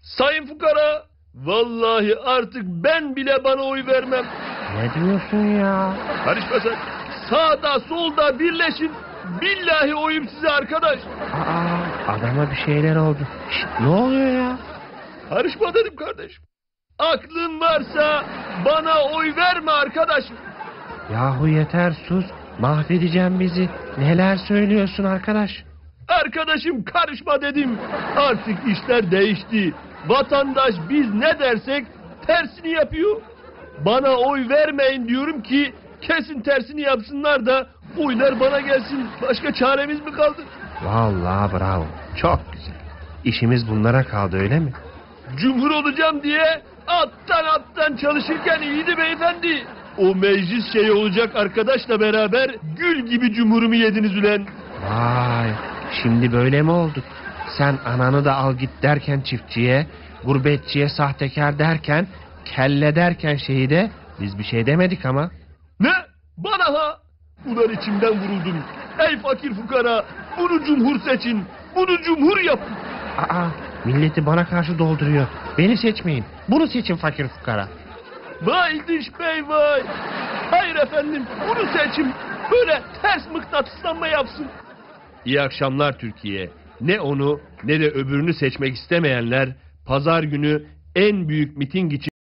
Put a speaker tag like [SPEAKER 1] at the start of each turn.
[SPEAKER 1] Sayın fukara, vallahi artık ben bile bana oy vermem.
[SPEAKER 2] Ne diyorsun ya?
[SPEAKER 1] Karışma sen. Sağda solda birleşin. Billahi oyum size arkadaş.
[SPEAKER 2] Adama bir şeyler oldu. Şişt, ne oluyor ya?
[SPEAKER 1] Karışma dedim kardeşim. Aklın varsa bana oy verme arkadaşım.
[SPEAKER 2] Yahu yeter sus. Mahvedeceğim bizi. Neler söylüyorsun arkadaş?
[SPEAKER 1] Arkadaşım karışma dedim. Artık işler değişti. Vatandaş biz ne dersek tersini yapıyor. Bana oy vermeyin diyorum ki kesin tersini yapsınlar da oylar bana gelsin. Başka çaremiz mi kaldı?
[SPEAKER 2] Vallahi bravo. Çok güzel. İşimiz bunlara kaldı öyle mi?
[SPEAKER 1] Cumhur olacağım diye alttan çalışırken iyiydi beyefendi. O meclis şeyi olacak arkadaşla beraber gül gibi cumhurumu yediniz ulan.
[SPEAKER 2] Vay, şimdi böyle mi olduk? Sen ananı da al git derken çiftçiye, gurbetçiye sahtekar derken, kelle derken şehide biz bir şey demedik ama.
[SPEAKER 1] Ne? Bana ha? Ulan içimden vuruldum. Ey fakir fukara, bunu cumhur seçin. Bunu cumhur yapın.
[SPEAKER 2] Milleti bana karşı dolduruyor. Beni seçmeyin. Bunu seçin fakir fukara.
[SPEAKER 1] Vay Diş Bey vay. Hayır efendim, bunu seçin. Böyle ters mıknatıslanma yapsın. İyi akşamlar Türkiye. Ne onu ne de öbürünü seçmek istemeyenler pazar günü en büyük miting için